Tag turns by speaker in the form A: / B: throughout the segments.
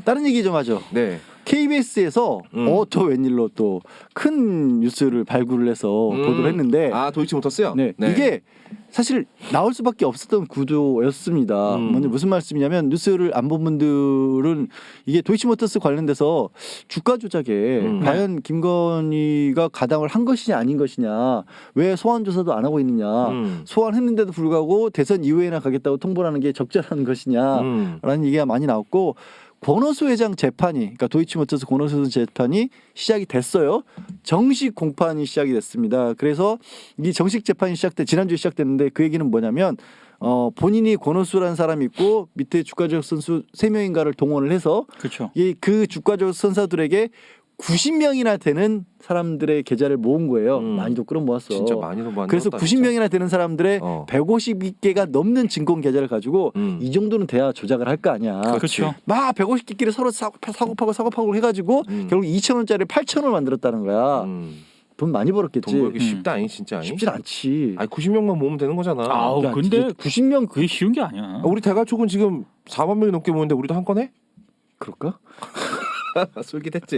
A: 다른 얘기 좀 하죠.
B: 네.
A: KBS에서 또 웬일로 또 큰 뉴스를 발굴을 해서 보도를 했는데
B: 아 도이치모터스요?
A: 네. 이게 사실 나올 수밖에 없었던 구조였습니다. 먼저 무슨 말씀이냐면 뉴스를 안 본 분들은 이게 도이치모터스 관련돼서 주가 조작에 과연 김건희가 가담을 한 것이냐 아닌 것이냐, 왜 소환 조사도 안 하고 있느냐, 소환했는데도 불구하고 대선 이후에나 가겠다고 통보를 하는 게 적절한 것이냐라는 얘기가 많이 나왔고, 권오수 회장 재판이, 그러니까 도이치모터스 권오수 회장 재판이 시작이 됐어요. 정식 공판이 시작이 됐습니다. 그래서 이 정식 재판이 지난주에 시작됐는데 그 얘기는 뭐냐면 본인이 권오수라는 사람이 있고 밑에 주가조작 선수 3명인가를 동원을 해서
C: 그렇죠.
A: 그 주가조작 선수들에게 90명이나 되는 사람들의 계좌를 모은 거예요. 많이도 끌어모았어.
B: 진짜 많이도 모았다.
A: 그래서 90명이나 되는 사람들의 150개가 넘는 증권 계좌를 가지고 이 정도는 돼야 조작을 할 거 아니야.
C: 그렇죠.
A: 막 150개끼리 서로 사고파고 해가지고 결국 2,000원짜리 8,000원 만들었다는 거야. 돈 많이 벌었겠지.
B: 돈 벌기 쉽다 아니 진짜 아니?
A: 쉽진 않지.
B: 아니 90명만 모으면 되는 거잖아.
C: 아우
A: 야,
C: 근데
A: 90명
C: 그게 쉬운 게 아니야.
B: 우리 대가족은 지금 4만 명이 넘게 모으는데 우리도 한 건 해?
A: 그럴까?
B: 솔깃했지.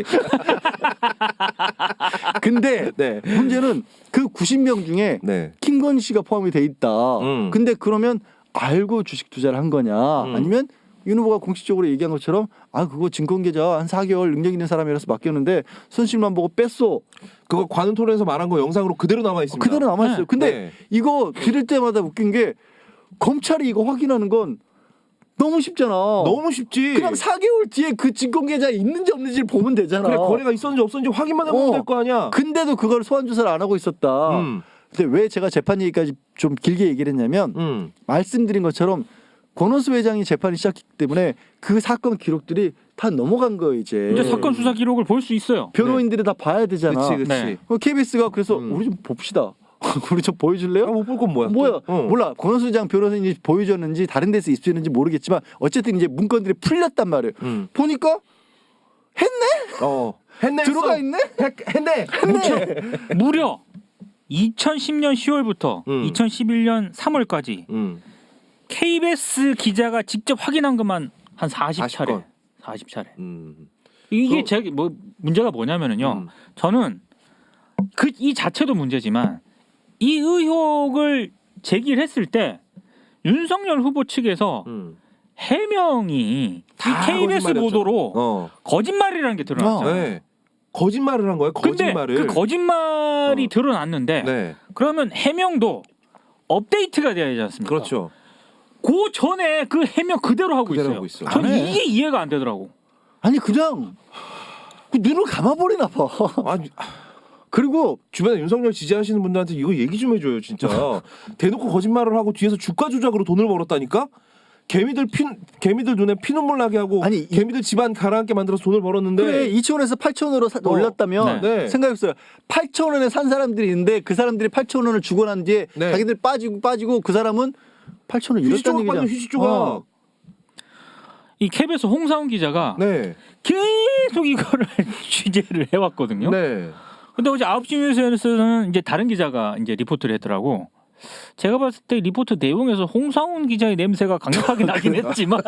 A: 근데
B: 네.
A: 문제는 그 90명 중에
B: 네.
A: 김건희 씨가 포함이 돼 있다. 근데 그러면 알고 주식 투자를 한 거냐? 아니면 윤 후보가 공식적으로 얘기한 것처럼 그거 증권계좌 한 4개월 능력 있는 사람이라서 맡겼는데 손실만 보고 뺐어.
B: 그거 관훈 토론에서 말한 거 영상으로 그대로 남아 있습니다.
A: 그대로 남아있어요. 근데
B: 네.
A: 이거 들을 때마다 웃긴 게 검찰이 이거 확인하는 건 너무 쉽잖아.
B: 너무 쉽지.
A: 그냥 4개월 뒤에 그 증권계좌에 있는지 없는지를 보면 되잖아.
B: 그래 거래가 있었는지 없었는지 확인만 해보면 될 거 아니야.
A: 근데도 그걸 소환 조사를 안 하고 있었다. 근데 왜 제가 재판 얘기까지 좀 길게 얘기를 했냐면 말씀드린 것처럼 권오수 회장이 재판이 시작했기 때문에 그 사건 기록들이 다 넘어간 거예요 이제.
C: 이제 사건 수사 기록을 볼 수 있어요.
A: 변호인들이 다 봐야 되잖아.
B: 그치.
C: 네.
A: KBS가 그래서 우리 좀 봅시다. 우리 좀 보여줄래요?
B: 못 볼 건 뭐야?
A: 몰라. 권오수 회장 변호사님이 보여줬는지 다른 데서 입수했는지 모르겠지만 어쨌든 이제 문건들이 풀렸단 말이에요. 보니까 했네?
B: 했네.
A: 들어가 있네?
B: 했네.
C: 무려 2010년 10월부터 2011년 3월까지 KBS 기자가 직접 확인한 것만 한 40차례. 40차례. 이게 제가 문제가 뭐냐면은요. 저는 이 자체도 문제지만 이 의혹을 제기를 했을 때 윤석열 후보 측에서 해명이 이 KBS 보도로 거짓말이라는 게 드러났잖아요.
B: 네. 거짓말을 한 거예요. 거짓말을.
C: 근데 그 거짓말이 드러났는데
B: 네.
C: 그러면 해명도 업데이트가 돼야 되지 않습니까?
B: 그렇죠.
C: 그 전에 그 해명 그대로 하고
B: 그대로
C: 있어요.
B: 하고 있어.
C: 저는
A: 안 해.
C: 이게 이해가 안 되더라고.
A: 아니 그냥 눈을 감아버리나 봐.
B: 아니,
A: 그리고
B: 주변에 윤석열 지지하시는 분들한테 이거 얘기 좀 해줘요 진짜. 대놓고 거짓말을 하고 뒤에서 주가 조작으로 돈을 벌었다니까. 개미들 눈에 피눈물 나게 하고 개미들 집안 가라앉게 만들어서 돈을 벌었는데
A: 그래 2,000원에서 8,000원으로 올랐다면
B: 네.
A: 생각해보세요. 8,000원에 산 사람들이 있는데 그 사람들이 8,000원을 주고 난 뒤에 자기들 빠지고 그 사람은 8,000원 잃었다는 얘기잖아.
B: 휴지 조각.
C: 이 KBS 홍사훈 기자가 계속 이거를 취재를 해왔거든요.
B: 네.
C: 근데 어제 9시 뉴스에서는 이제 다른 기자가 이제 리포트를 했더라고. 제가 봤을 때 리포트 내용에서 홍사훈 기자의 냄새가 강력하게 나긴 했지만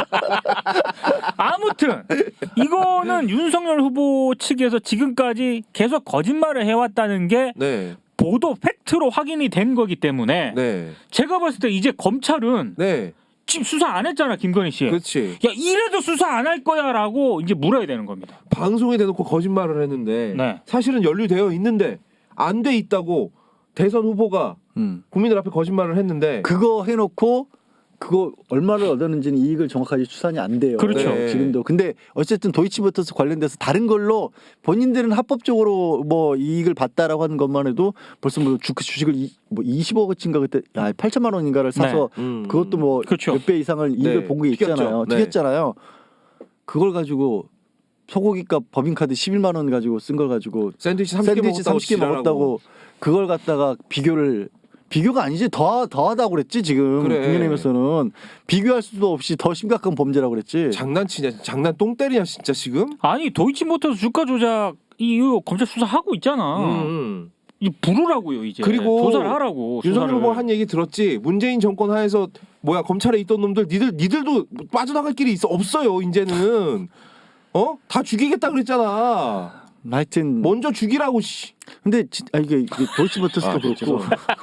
C: 아무튼 이거는 윤석열 후보 측에서 지금까지 계속 거짓말을 해왔다는 게 보도 팩트로 확인이 된 거기 때문에 제가 봤을 때 이제 검찰은 지금 수사 안 했잖아 김건희 씨.
B: 그렇지.
C: 야 이래도 수사 안 할 거야라고 이제 물어야 되는 겁니다.
B: 방송에 대놓고 거짓말을 했는데 사실은 연루되어 있는데 안 돼 있다고 대선 후보가 국민들 앞에 거짓말을 했는데
A: 그거 해놓고 그거 얼마를 얻었는지는 이익을 정확하게 추산이 안 돼요.
C: 그렇죠.
A: 지금도. 근데 어쨌든 도이치모터스 관련돼서 다른 걸로 본인들은 합법적으로 뭐 이익을 봤다라고 하는 것만 해도 벌써 뭐 주식을 20억어치인가 그때 8천만 원인가를 사서 그것도 뭐 몇 배 이상을 이익을 본 게 있잖아요. 튀겼잖아요. 그걸 가지고 소고기값 법인카드 11만 원 가지고 쓴 걸 가지고
B: 샌드위치 30개
A: 먹었다고 그걸 갖다가 비교가 아니지 더하다고 그랬지 지금 국민의힘에서는 비교할 수도 없이 더 심각한 범죄라고 그랬지.
B: 장난치냐 장난 똥 때리냐 진짜 지금.
C: 아니 도이치모터스 주가 조작 이거 검찰 수사하고 있잖아. 이 부르라고요 이제.
B: 그리고
C: 조사를 하라고.
B: 윤석열 후보가 한 얘기 들었지. 문재인 정권 하에서 검찰에 있던 놈들 니들도 빠져나갈 길이 없어요 이제는. 다 죽이겠다 그랬잖아.
A: 하여튼
B: 먼저 죽이라고 씨.
A: 근데 이게 도이치모터스도 그렇고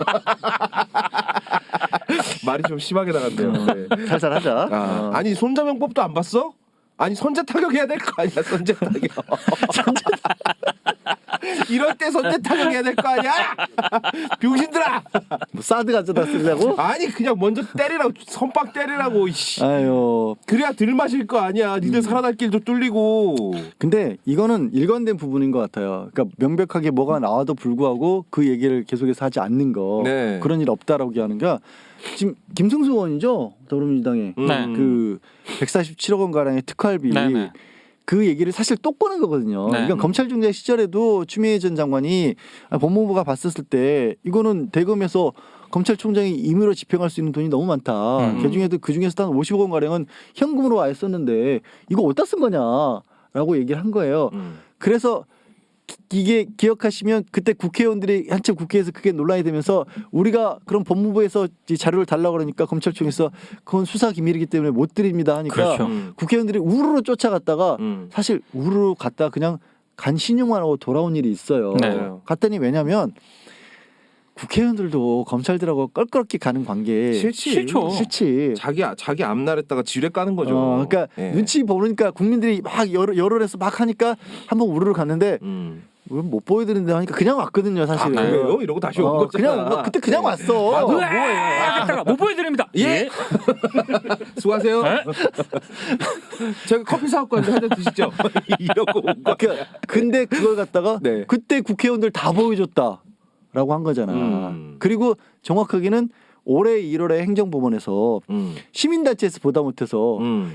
B: 말이 좀 심하게 나갔네요. 네.
A: 살살하자.
B: 아니 손자병법도 안 봤어? 아니 선제 타격해야 될 거 아니야 선제 타격. 이럴 때 선제 타격해야 될 거 아니야? 병신들아.
A: 뭐 사드 가져다 쓰려고?
B: 아니 그냥 먼저 때리라고 선빵 때리라고. 씨.
A: 아유.
B: 그래야 들 마실 거 아니야. 니들 살아날 길도 뚫리고.
A: 근데 이거는 일관된 부분인 것 같아요. 그러니까 명백하게 뭐가 나와도 불구하고 그 얘기를 계속해서 하지 않는 거.
B: 네.
A: 그런 일 없다라고 하는 게 지금 김승수 의원이죠 더불어민주당에 그 147억 원 가량의 특활비
C: 네네.
A: 그 얘기를 사실 또 꺼낸 거거든요.
C: 네.
A: 그러니까 검찰총장 시절에도 추미애 전 장관이 법무부가 봤었을 때 이거는 대검에서 검찰총장이 임의로 집행할 수 있는 돈이 너무 많다. 그 중에서 한 50억 원 가량은 현금으로 아예 썼는데 이거 어디다 쓴 거냐라고 얘기를 한 거예요. 그래서 이게 기억하시면 그때 국회의원들이 한참 국회에서 그게 논란이 되면서 우리가 그럼 법무부에서 이 자료를 달라고 그러니까 검찰청에서 그건 수사 기밀이기 때문에 못 드립니다 하니까
C: 그렇죠.
A: 국회의원들이 우르르 쫓아갔다가 사실 우르르 갔다 그냥 간 신용만 하고 돌아온 일이 있어요.
C: 네.
A: 갔더니 왜냐면 국회의원들도 검찰들하고 껄끄럽게 가는 관계
C: 싫죠.
A: 싫지.
B: 자기 앞날에다가 지뢰 까는 거죠.
A: 그러니까
B: 예.
A: 눈치 보니까 국민들이 막 열흘에서 막 하니까 한번 우르르 갔는데 왜 못 보여드린다 하니까 그냥 왔거든요 사실은.
B: 그래요? 이러고 다시 온 거잖아.
A: 그냥 그때 그냥 왔어.
C: 하겠다가 못 보여드립니다.
B: 예. 수고하세요.
C: 네?
B: 제가 커피 사갖고 왔는데 한 잔 드시죠. 이러고 온 거야.
A: 근데 그걸 갖다가
B: 네.
A: 그때 국회의원들 다 보여줬다라고 한 거잖아. 그리고 정확하게는 올해 1월에 행정법원에서 시민단체에서 보다 못해서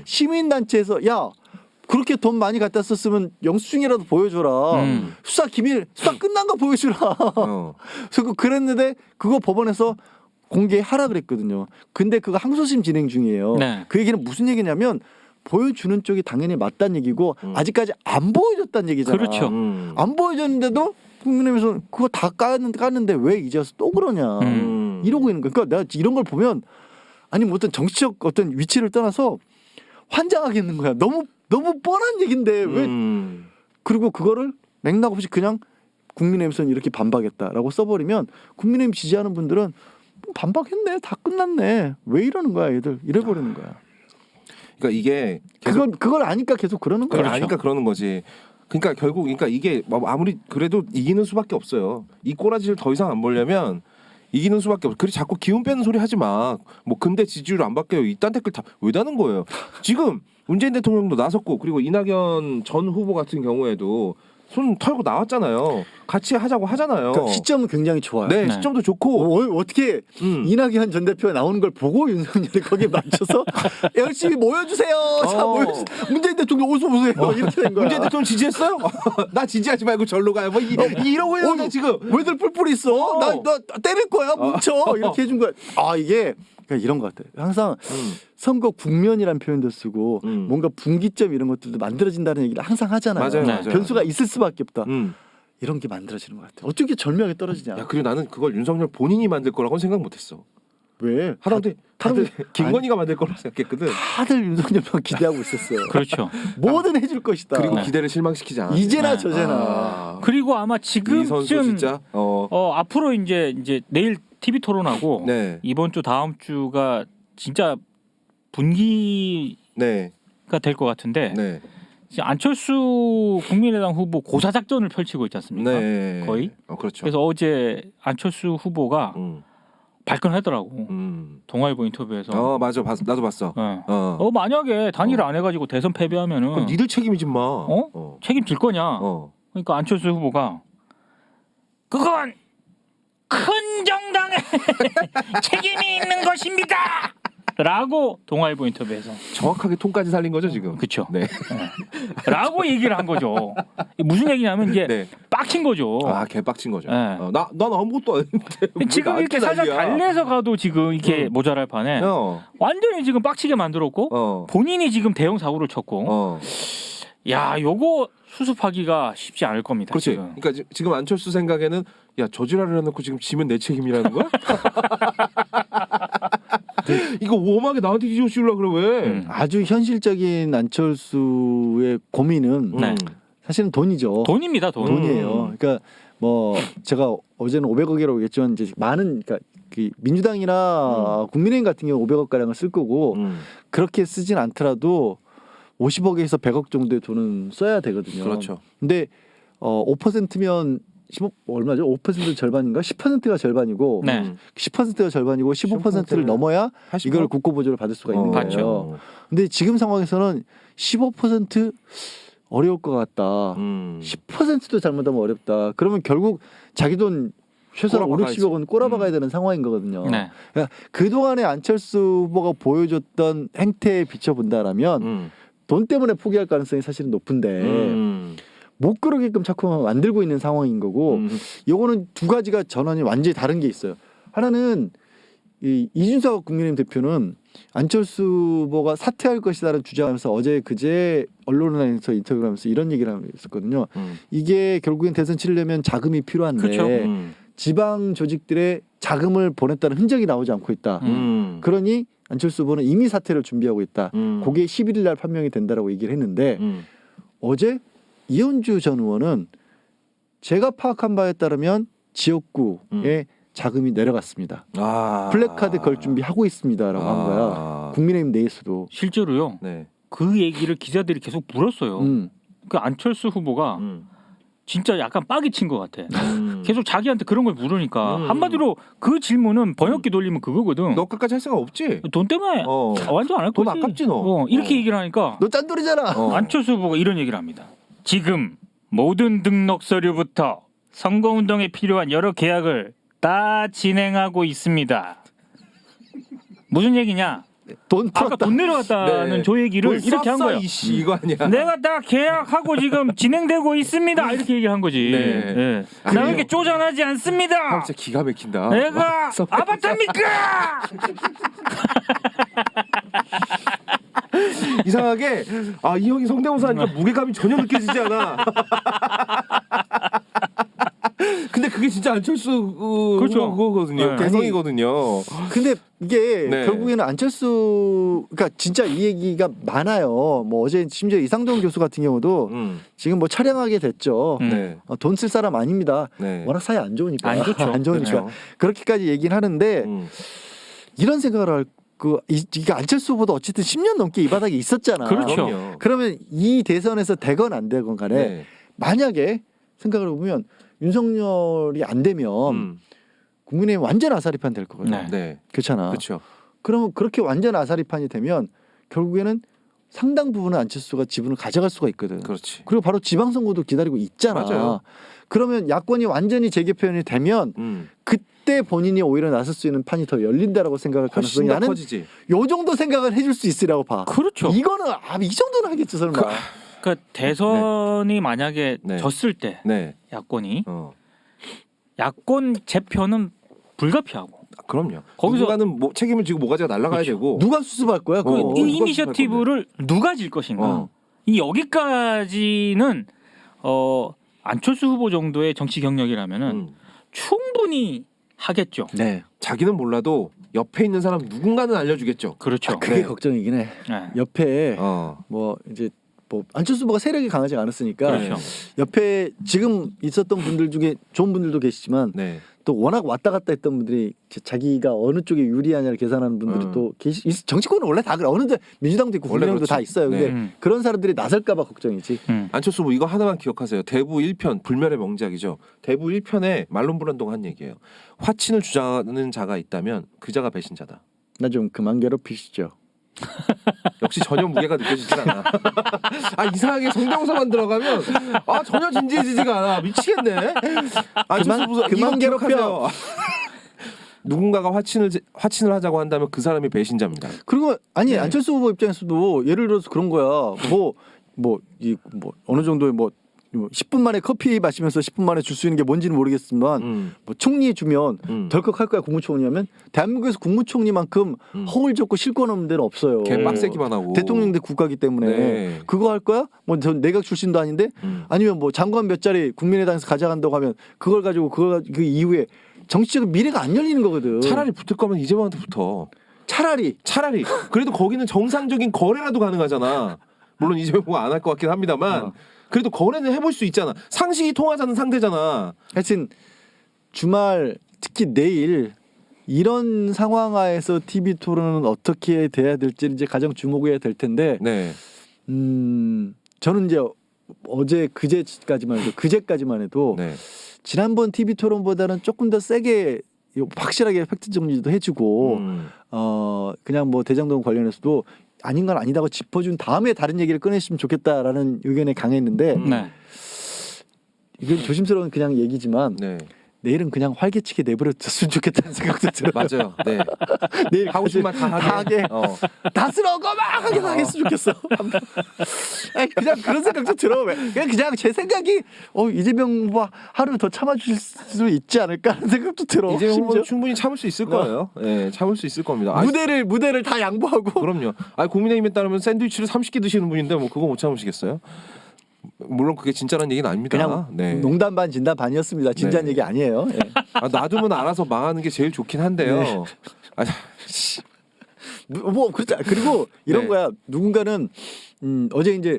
A: 시민단체에서 야 그렇게 돈 많이 갖다 썼으면 영수증이라도 보여줘라. 수사 기밀 수사 끝난 거 보여주라. 그래서 그랬는데 그거 법원에서 공개하라 그랬거든요. 근데 그거 항소심 진행 중이에요.
C: 네.
A: 그 얘기는 무슨 얘기냐면 보여주는 쪽이 당연히 맞다는 얘기고 아직까지 안 보여줬다는 얘기잖아.
C: 그렇죠.
A: 안 보여줬는데도 국민의힘에서 그거 다 깠는데 왜 이제 와서 또 그러냐 이러고 있는 거야. 그러니까 내가 이런 걸 보면 아니 뭐 어떤 정치적 어떤 위치를 떠나서 환장하겠는 거야. 너무 뻔한 얘긴데 왜 그리고 그거를 맥락 없이 그냥 국민의힘에서는 이렇게 반박했다라고 써버리면 국민의힘 지지하는 분들은 뭐 반박했네 다 끝났네 왜 이러는 거야 얘들 이래버리는 거야.
B: 그러니까 이게
A: 그걸 아니까 계속 그러는 거야.
B: 그걸 아니까 그러는 거지. 그러니까 결국 그러니까 이게 아무리 그래도 이기는 수밖에 없어요. 이 꼬라지를 더 이상 안 보려면 이기는 수밖에 없어. 그래 자꾸 기운 빼는 소리 하지 마. 뭐 근데 지지율 안 바뀌어요. 이딴 댓글 다 왜 다는 거예요. 지금 문재인 대통령도 나섰고 그리고 이낙연 전 후보 같은 경우에도 손 털고 나왔잖아요. 같이 하자고 하잖아요.
A: 그러니까 시점은 굉장히 좋아요.
B: 네, 시점도 좋고
A: 어떻게 이낙연 전 대표가 나오는 걸 보고 윤석열이 거기에 맞춰서 열심히 모여주세요. 자 모여주세요. 문재인 대통령 어서 오세요. 이렇게 된 거야.
B: 문재인 대통령 지지했어요? 나 지지하지 말고 절로 가요. 뭐 이러고 있는데 지금
A: 왜들 뿔뿔이 있어? 나 때릴 거야. 뭉쳐. 이렇게 해준 거야. 아 이게 그러니까 이런 것 같아요. 항상 선거 국면이라는 표현도 쓰고 뭔가 분기점 이런 것들도 만들어진다는 얘기를 항상 하잖아요.
B: 맞아요.
A: 변수가 있을 수밖에 없다. 이런 게 만들어지는 것 같아요. 어떻게 절묘하게 떨어지냐.
B: 야, 그리고 나는 그걸 윤석열 본인이 만들 거라고는 생각 못했어.
A: 왜?
B: 하다못해 김건희가 만들 거라고 생각했거든.
A: 다들 윤석열만 기대하고 있었어요.
C: 그렇죠.
A: 뭐든 해줄 것이다.
B: 그리고 기대를 실망시키지 않았어.
A: 이제나 저제나.
C: 그리고 아마
B: 이 선수
C: 지금쯤
B: 진짜
C: 앞으로 이제 내일 TV 토론하고
B: 네.
C: 이번 주 다음 주가 진짜 분기가
B: 네.
C: 될 것 같은데
B: 네.
C: 지금 안철수 국민의당 후보 고사 작전을 펼치고 있지 않습니까?
B: 네.
C: 거의.
B: 그렇죠.
C: 그래서 어제 안철수 후보가 발끈하더라고. 동아일보 인터뷰에서.
B: 맞아. 나도 봤어.
C: 만약에 단일을 안 해가지고 대선 패배하면은
B: 그럼 니들 책임이지 마.
C: 책임질 거냐? 그러니까 안철수 후보가 그건 큰 정당의 책임이 있는 것입니다. 라고 동아일보 인터뷰에서
B: 정확하게 톤까지 살린 거죠 지금.
C: 그렇죠.
B: 네.
C: 라고 얘기를 한 거죠. 무슨 얘기냐면 이게
B: 네.
C: 빡친 거죠.
B: 개빡친 거죠.
C: 네.
B: 난 아무것도 아닌데.
C: 지금 이렇게 살짝 달래서 가도 지금 이렇게 모자랄 판에 완전히 지금 빡치게 만들었고 본인이 지금 대형 사고를 쳤고 야 요거 수습하기가 쉽지 않을 겁니다.
B: 그렇지.
C: 지금.
B: 그러니까 지금 안철수 생각에는 야 저지랄을 해놓고 지금 지면 내 책임이라는 거야? 이거 웜하게 나한테 뒤집어 씌우려고 그래 왜?
A: 아주 현실적인 안철수의 고민은
C: 네.
A: 사실은 돈이죠.
C: 돈입니다, 돈.
A: 돈이에요. 그러니까 뭐 제가 어제는 500억이라고 했지만 이제 많은 그러니까 그 민주당이나 국민의힘 같은 경우 500억 가량을 쓸 거고 그렇게 쓰진 않더라도 50억에서 100억 정도의 돈은 써야 되거든요.
B: 그렇죠.
A: 근데 5%면 15 얼마죠? 5% 절반인가? 10%가 절반이고
C: 네.
A: 10%가 절반이고 15%를 넘어야
B: 80%?
A: 이걸 국고보조를 받을 수가 있는 거예요.
C: 맞죠.
A: 근데 지금 상황에서는 15% 어려울 것 같다. 10%도 잘못하면 어렵다. 그러면 결국 자기 돈 최소한 5, 60억 원 꼬라박아야 되는 상황인 거거든요.
C: 네.
A: 그러니까 그동안에 안철수 후보가 보여줬던 행태에 비춰본다라면 돈 때문에 포기할 가능성이 사실은 높은데 못 그러게끔 자꾸 만들고 있는 상황인 거고 요거는 두 가지가 전환이 완전히 다른 게 있어요. 하나는 이준석 국민의힘 대표는 안철수 후보가 사퇴할 것이다라는 주장하면서 어제 그제 언론에서 인터뷰를 하면서 이런 얘기를 했었거든요. 이게 결국엔 대선 치르려면 자금이 필요한데
C: 그렇죠.
A: 지방 조직들의 자금을 보냈다는 흔적이 나오지 않고 있다. 그러니 안철수 후보는 이미 사퇴를 준비하고 있다. 그게 11일 날 판명이 된다라고 얘기를 했는데 어제 이현주 전 의원은 제가 파악한 바에 따르면 지역구에 자금이 내려갔습니다. 플래카드 걸 준비하고 있습니다라고 한 거야. 국민의힘 내에서도.
C: 실제로요.
B: 네.
C: 그 얘기를 기자들이 계속 물었어요. 그 안철수 후보가 진짜 약간 빡이 친 것 같아. 계속 자기한테 그런 걸 물으니까 한마디로 그 질문은 번역기 돌리면 그거거든.
B: 너 끝까지 할 생각 없지?
C: 돈 때문에 완전 안 할
B: 돈
C: 거지.
B: 아깝지 너.
C: 이렇게 얘기를 하니까
A: 너 짠돌이잖아.
C: 안철수 후보가 이런 얘기를 합니다. 지금 모든 등록 서류부터 선거운동에 필요한 여러 계약을 다 진행하고 있습니다. 무슨 얘기냐?
A: 돈
C: 아까
A: 풀었다.
C: 돈 내려갔다는
B: 네.
C: 저 얘기를 이렇게 한 거예요.
B: 이씨 이거 아니야.
C: 내가 다 계약하고 지금 진행되고 있습니다. 이렇게 얘기를 한 거지.
B: 네.
C: 네. 나에게 쪼잔하지
B: 형
C: 않습니다.
B: 진짜 기가 막힌다.
C: 내가 아바타입니까?
B: 이상하게 이 형이 성대모사 하니까 무게감이 전혀 느껴지지 않아. 근데 그게 진짜 안철수
C: 그렇죠.
B: 그거거든요.
C: 네.
B: 대성이거든요.
A: 근데 이게
B: 네.
A: 결국에는 안철수 그러니까 진짜 이 얘기가 많아요. 뭐 어제 심지어 이상돈 교수 같은 경우도 지금 뭐 촬영하게 됐죠.
B: 네.
A: 돈 쓸 사람 아닙니다.
B: 네.
A: 워낙 사이 안 좋으니까.
C: 안 좋죠.
A: 안 좋으니까.
B: 그렇죠.
A: 그렇게까지 얘기는 하는데 이런 생각을 할 이게 안철수 후보도 어쨌든 10년 넘게 이 바닥에 있었잖아.
C: 그렇죠.
B: 그럼요.
A: 그러면 이 대선에서 되건 안 되건 간에
B: 네.
A: 만약에 생각을 해보면 윤석열이 안 되면 국민의힘 완전 아사리판 될 거거든요.
C: 네.
B: 네.
A: 그렇잖아.
B: 그렇죠.
A: 그러면 그렇게 완전 아사리판이 되면 결국에는 상당 부분은 안철수가 지분을 가져갈 수가 있거든.
B: 그렇지.
A: 그리고 바로 지방선거도 기다리고 있잖아.
B: 맞아요.
A: 그러면 야권이 완전히 재개편이 되면 그때 본인이 오히려 나설 수 있는 판이 더 열린다라고 생각할 가능성이
B: 훨씬 더
A: 나는
B: 커지지.
A: 요 정도 생각을 해줄 수 있으라고 봐.
C: 그렇죠.
A: 이거는 이 정도는 하겠죠 설마.
C: 그러니까 대선이 만약에
B: 네.
C: 졌을 때
B: 네.
C: 야권이 야권 재편은 불가피하고.
B: 그럼요.
C: 거기서
B: 누군가는 뭐 책임을 지고 모가지가 날아가야
C: 그렇죠.
B: 되고.
A: 누가 수습할 거야?
C: 그
A: 그거.
C: 이 이니셔티브를 누가 질 것인가. 이 여기까지는 안철수 후보 정도의 정치 경력이라면은 충분히 하겠죠.
A: 네.
B: 자기는 몰라도 옆에 있는 사람 누군가는 알려주겠죠.
C: 그렇죠.
A: 그게
B: 네.
A: 걱정이긴 해.
C: 네.
A: 옆에 뭐 이제 뭐 안철수 후보가 세력이 강하지 않았으니까
C: 그렇죠.
A: 옆에 지금 있었던 분들 중에 좋은 분들도 계시지만
B: 네.
A: 또 워낙 왔다 갔다 했던 분들이 자기가 어느 쪽에 유리하냐를 계산하는 분들이 또 정치권은 원래 다 그래. 어느 데 민주당도 있고 국민의힘도 다 있어요. 근데
C: 네.
A: 그런 사람들이 나설까봐 걱정이지.
B: 안철수 후보 이거 하나만 기억하세요. 대부 1편 불멸의 명작이죠. 대부 1편에 말론 브란도가 한 얘기예요. 화친을 주장하는 자가 있다면 그 자가 배신자다.
A: 나 좀 그만 괴롭히시죠.
B: 역시 전혀 무게가 느껴지질 않아. 이상하게 성대모사만 들어가면 전혀 진지해지지가 않아. 미치겠네.
A: 그만 괴롭혀.
B: 누군가가 화친을 하자고 한다면 그 사람이 배신자입니다.
A: 그리고
B: 네.
A: 안철수 후보 입장에서도 예를 들어서 그런 거야. 뭐 어느 정도의 뭐 10분 만에 커피 마시면서 10분 만에 줄 수 있는 게 뭔지는 모르겠지만 뭐 총리 주면 덜컥 할 거야. 국무총리하면 대한민국에서 국무총리만큼 허울 좁고 실권 없는 데는 없어요.
B: 걔 빡세기만 하고
A: 대통령대 국가기 때문에
B: 네.
A: 그거 할 거야? 뭐 전 내각 출신도 아닌데 아니면 뭐 장관 몇 자리 국민의당에서 가져간다고 하면 그걸 가지고 그 이후에 정치적 미래가 안 열리는 거거든.
B: 차라리 붙을 거면 이재명한테 붙어.
A: 차라리
B: 그래도 거기는 정상적인 거래라도 가능하잖아. 물론 이재명 후보가 안 할 것 같긴 합니다만 그래도 거래는 해볼 수 있잖아. 상식이 통하자는 상대잖아.
A: 하여튼 주말 특히 내일 이런 상황 하에서 TV 토론은 어떻게 돼야 될지 이제 가장 주목해야 될 텐데
B: 네.
A: 저는 이제 어제 그제까지만 해도
B: 네.
A: 지난번 TV 토론보다는 조금 더 세게 확실하게 팩트 정리도 해주고 그냥 뭐 대장동 관련해서도 아닌 건 아니다고 짚어준 다음에 다른 얘기를 꺼냈으면 좋겠다라는 의견에 강했는데
C: 네.
A: 이건 조심스러운 그냥 얘기지만
B: 네.
A: 내일은 그냥 활개치게 내버려뒀으면 좋겠다는 생각도 들어요.
B: 맞아요. 네.
A: 내일
B: 하고 싶은 말 다 하게.
A: 다스러운 거 막 하게 하겠으면 좋겠어. 아니, 그냥 그런 생각도 들어. 그냥 제 생각이 이재명 후보 하루 더 참아줄 수 있지 않을까 하는 생각도 들어.
B: 이재명 후보는 충분히 참을 수 있을 거예요. 네, 참을 수 있을 겁니다.
A: 무대를 다 양보하고.
B: 그럼요. 국민의힘에 따르면 샌드위치를 30개 드시는 분인데 뭐 그거 못 참으시겠어요? 물론 그게 진짜라는 얘기는 아닙니다.
A: 그냥
B: 네.
A: 농담 반 진담 반이었습니다. 진지한
B: 네.
A: 얘기 아니에요. 예.
B: 놔두면 알아서 망하는 게 제일 좋긴 한데요.
A: 네.
B: 씨.
A: 뭐 그렇죠. 그리고 이런
B: 네.
A: 거야. 누군가는 어제 이제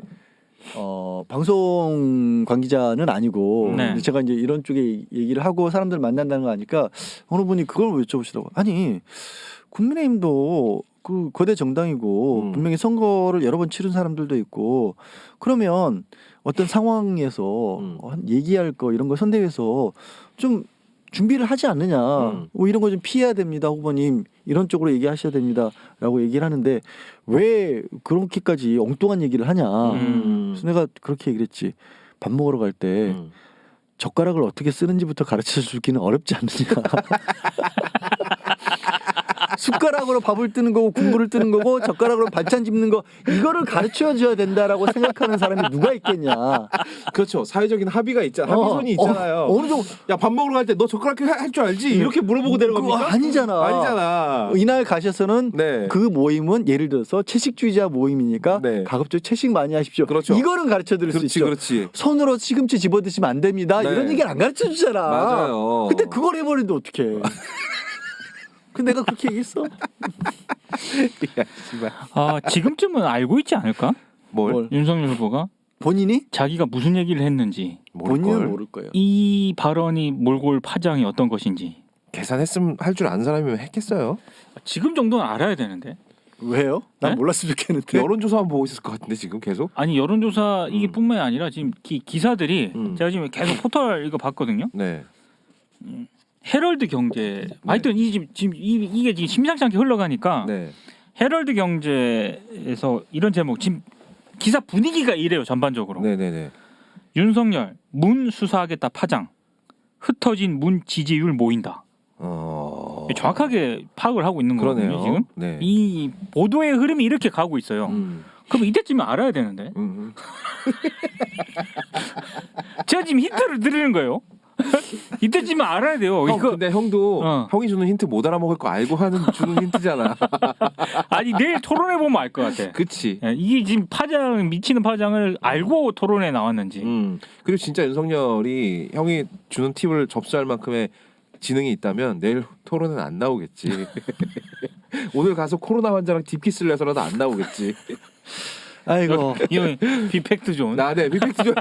A: 방송 관계자는 아니고
C: 네.
A: 제가 이제 이런 쪽에 얘기를 하고 사람들 만난다는 거 아니까 어느 분이 그걸 여쭤보시더라고. 아니 국민의힘도 그 거대 정당이고 분명히 선거를 여러 번 치른 사람들도 있고 그러면 어떤 상황에서 얘기할 거 이런 거 선대위에서 좀 준비를 하지 않느냐. 이런 거 좀 피해야 됩니다, 후보님. 이런 쪽으로 얘기하셔야 됩니다라고 얘기를 하는데 왜 그렇게까지 엉뚱한 얘기를 하냐. 그래서 내가 그렇게 얘기를 했지. 밥 먹으러 갈 때 젓가락을 어떻게 쓰는지부터 가르쳐 주기는 어렵지 않느냐. 숟가락으로 밥을 뜨는 거고 국물을 뜨는 거고 젓가락으로 반찬 집는 거 이거를 가르쳐 줘야 된다라고 생각하는 사람이 누가 있겠냐.
B: 그렇죠. 사회적인 합의가 있잖아. 합의선이 있잖아요.
A: 어느 정도
B: 야, 밥 먹으러 갈 때 너 젓가락 할 줄 알지? 이렇게 물어보고 내려갑니까?
A: 아니잖아. 이날 가셔서는
B: 네.
A: 그 모임은 예를 들어서 채식주의자 모임이니까
B: 네.
A: 가급적 채식 많이 하십시오.
B: 그렇죠.
A: 이거는 가르쳐 드릴 수 있죠.
B: 그렇지.
A: 손으로 시금치 집어 드시면 안 됩니다.
B: 네.
A: 이런 얘기를 안 가르쳐 주잖아.
B: 맞아요.
A: 근데 그걸 해버리는데 어떡해. 근데 내가 그렇게 얘기했어.
C: 지금쯤은 알고 있지 않을까?
B: 뭘?
C: 윤석열 후보가
A: 본인이?
C: 자기가 무슨 얘기를 했는지
A: 본인은 모를 거예요.
C: 이 발언이 몰고 올 파장이 어떤 것인지
B: 계산했으면 할 줄 아는 사람이면 했겠어요.
C: 지금 정도는 알아야 되는데.
A: 왜요? 난
C: 네?
A: 몰랐으면 좋겠는데.
B: 여론조사만 보고 있을 것 같은데 지금 계속.
C: 아니 여론조사 이게 뿐만이 아니라 지금 기사들이 제가 지금 계속 포털 이거 봤거든요.
B: 네.
C: 헤럴드 경제 하여튼 이게 지금 심상치 않게 흘러가니까
B: 네.
C: 헤럴드 경제에서 이런 제목 지금 기사 분위기가 이래요 전반적으로.
B: 네네네.
C: 윤석열 문 수사하겠다 파장 흩어진 문 지지율 모인다. 정확하게 파악을 하고 있는
B: 그러네요.
C: 거거든요 지금.
B: 네.
C: 이 보도의 흐름이 이렇게 가고 있어요. 그럼 이때쯤에 알아야 되는데. 제가 지금 힌트를 드리는 거예요. 이때쯤에 알아야 돼요. 이거
B: 근데 형도 형이 주는 힌트 못 알아먹을 거 알고 주는 힌트잖아.
C: 아니 내일 토론해 보면 알 것 같아.
B: 그치.
C: 이게 지금 미치는 파장을 알고 토론에 나왔는지.
B: 그리고 진짜 윤석열이 형이 주는 팁을 접수할 만큼의 지능이 있다면 내일 토론은 안 나오겠지. 오늘 가서 코로나 환자랑 디피스를 해서라도 안 나오겠지.
A: 아이고.
C: 이거 비팩트 존.
B: 네, 비팩트 존.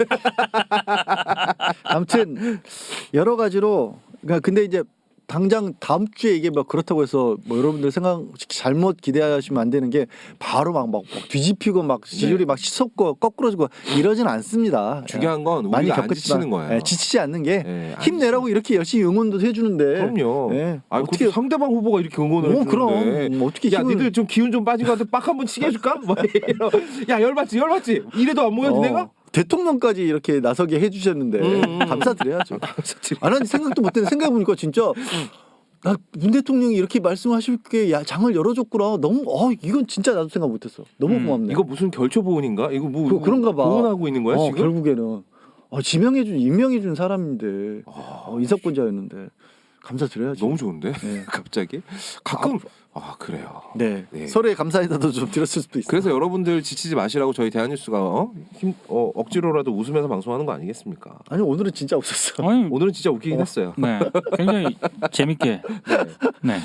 A: 아무튼 여러 가지로 그러니까 근데 이제 당장 다음 주에 이게 막 그렇다고 해서 뭐 여러분들 생각 잘못 기대하시면 안 되는 게 바로 막 뒤집히고 막 지지율이 막 치솟고 거꾸로지고 이러진 않습니다.
B: 중요한 건
A: 많이
B: 우리가 안 지치는 거예요.
A: 네, 지치지 않는 게
B: 네,
A: 힘내라고 이렇게 열심히 응원도 해주는데.
B: 그럼요.
A: 네.
B: 어떻게 상대방 후보가 이렇게 응원을 해주는데.
A: 그럼 어떻게
B: 야 니들 좀 기운 좀 빠진 것 같아. 빡 한번 치게 해줄까? 야 열받지. 이래도 안 모여도 내가?
A: 대통령까지 이렇게 나서게 해주셨는데 감사드려야죠. 안 하니 생각도 못했는데 생각해보니까 진짜 나 문 대통령이 이렇게 말씀하실 게 장을 열어줬구나. 너무 이건 진짜 나도 생각 못했어. 너무 고맙네.
B: 이거 무슨 결초 보훈인가? 이거 뭐
A: 그런가 봐.
B: 보훈하고 있는 거야 지금?
A: 결국에는 임명해준 사람인데 인사권자였는데 감사드려야죠.
B: 너무 좋은데
A: 네.
B: 갑자기 가끔 그래요.
A: 네.
B: 네.
A: 서로의 감사인사도 좀 드렸을 수도 있어요.
B: 그래서 여러분들 지치지 마시라고 저희 대한뉴스가 억지로라도 웃으면서 방송하는 거 아니겠습니까?
A: 아니 오늘은 진짜 없었어.
C: 아니,
B: 오늘은 진짜 웃기긴 했어요.
C: 네, 굉장히 재밌게. 네.